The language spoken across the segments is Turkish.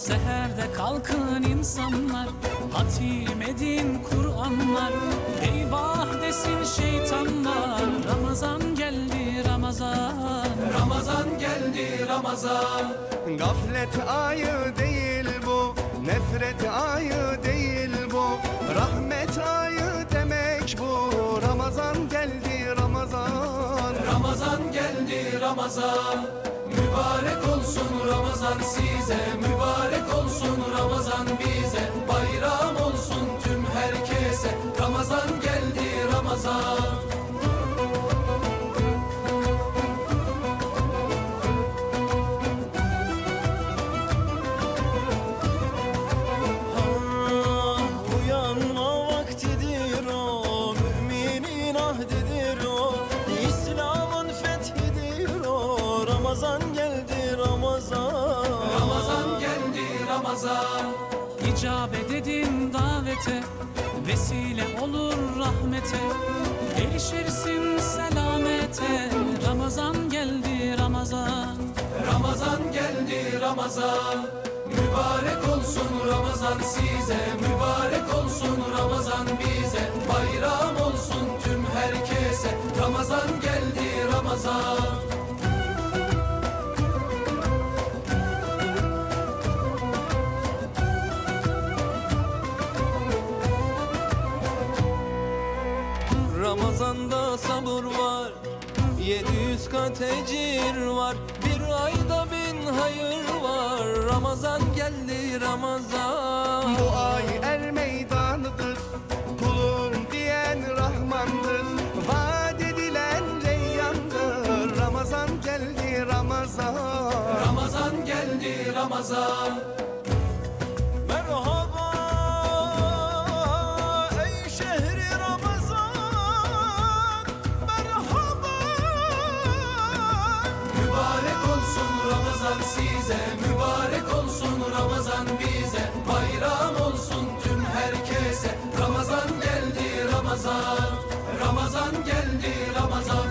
Seherde kalkın insanlar, hatim edin Kur'anlar. Eyvah desin şeytanlar, Ramazan geldi Ramazan. Ramazan geldi Ramazan. Gaflet ayı değil bu, nefret ayı değil bu, rahmet ayı demek bu. Ramazan geldi Ramazan. Ramazan geldi Ramazan. Mübarek olsun Ramazan size, mübarek olsun Ramazan bize. Bayram olsun tüm herkese, Ramazan geldi Ramazan. Uyanma vaktidir o, müminin ahdidir o, İslam'ın fethidir o. Ramazan geldi Ramazan. Ramazan geldi Ramazan. İcabet edin davete, vesile olur rahmete. Erişirsin selamete, Ramazan geldi Ramazan. Ramazan geldi Ramazan. Mübarek olsun Ramazan size, mübarek olsun Ramazan bize. Bayram olsun tüm herkese, Ramazan geldi Ramazan. Ramazan'da sabır var, 700 kat ecir var, bir ayda 1000 hayır var. Ramazan geldi Ramazan. Bu ay er meydanıdır, kulum diyen Rahmandır, vaat edilen reyyandır. Ramazan geldi Ramazan. Ramazan geldi Ramazan. Merhaba ey şehri Ramazan, merhaba. Mübarek olsun Ramazan size, mübarek olsun Ramazan bize. Bayram olsun tüm herkese, Ramazan geldi Ramazan. Ramazan geldi Ramazan.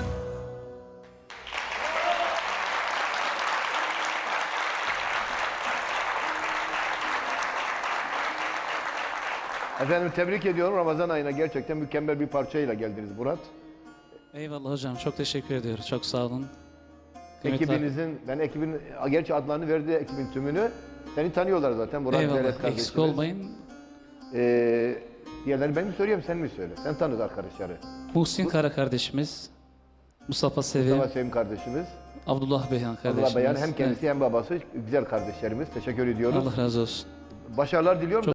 Efendim tebrik ediyorum. Ramazan ayına gerçekten mükemmel bir parçayla geldiniz Murat. Eyvallah hocam, çok teşekkür ediyoruz. Çok sağ olun. Kıymetli Ekibinizin, ben ekibin, gerçi adlarını verdi ekibin tümünü. Seni tanıyorlar zaten Murat Devlet Eyvallah, kardeşimiz. eksik olmayın. Diğerleri ben mi söyleyeyim sen mi söyle? Sen tanıt arkadaşları. Muhsin Kara kardeşimiz, Mustafa Sevim, Mustafa Sevim kardeşimiz. Abdullah Beyhan kardeşimiz. Abdullah Beyan hem kendisi hem babası güzel kardeşlerimiz. Teşekkür ediyoruz. Allah razı olsun. Başarılar diliyorum.